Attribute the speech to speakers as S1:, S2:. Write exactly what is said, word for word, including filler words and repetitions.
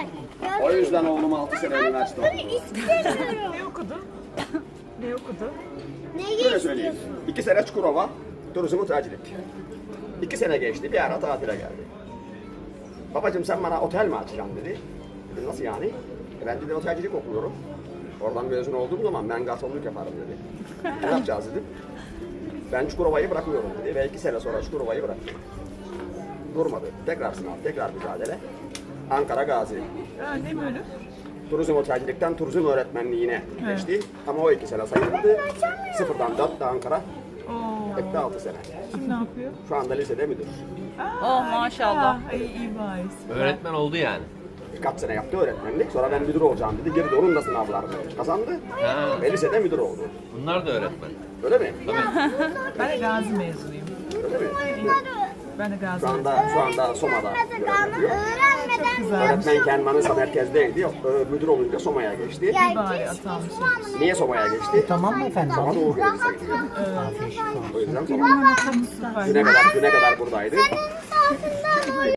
S1: O yüzden oğlum altı sene üniversite okudu.
S2: istemiyorum.
S3: Ne okudu? Ne okudu?
S1: Şöyle
S2: Neyi
S1: söyleyeyim.
S2: istiyorsun?
S1: İki sene Çukurova, turizm otelcilik. İki sene geçti, bir ara tatile geldi. Babacığım sen bana otel mi açacaksın dedi. Dedim, nasıl yani? E ben dedi otelcilik okuyorum. Oradan mezun olduğum zaman ben garsonluk yaparım dedi. Ne yapacağız dedim. Ben Çukurova'yı bırakıyorum dedi ve iki sene sonra Çukurova'yı bıraktı. Durmadı. Tekrar sınav, tekrar mücadele. Ankara Gazi.
S3: Ha, ne bölüm?
S1: Turizm otelcilikten turizm öğretmenliğine geçti. Ama o iki sene sayıldı. Sıfırdan dört de Ankara.
S3: Oo.
S1: Etti altı sene.
S3: Şimdi ne yapıyor?
S1: Şu anda lisede müdür.
S4: Oh maşallah.
S3: Ay iyi bari.
S5: Öğretmen oldu yani.
S1: Birkaç sene yaptı öğretmenlik. Sonra ben müdür olacağım dedi. Girdi onun da sınavlarını kazandı.
S5: Ha.
S1: Ve lisede müdür oldu.
S5: Bunlar da öğretmen.
S1: Öyle mi?
S3: Ben de Gazi mezunuyum.
S1: Öyle mi?
S3: Ben de Gazi
S1: Şu
S3: mezunuyum.
S1: anda, şu anda Soma'da görev yapıyor.
S2: Öğrenmeden
S3: Güzel.
S1: Öğretmenken Manisa merkezdeydi. Yok, e, müdür olunca Soma'ya geçti.
S3: İyi bari atanmışım.
S1: Niye Soma'ya geçti?
S6: Tamam mı efendim?
S1: Soma Doğu görevlisi gidiyor.
S6: Afiyet olsun.
S1: O yüzden Soma.
S3: Anlatamız süper.
S1: Düne kadar, düne kadar buradaydı.
S2: altında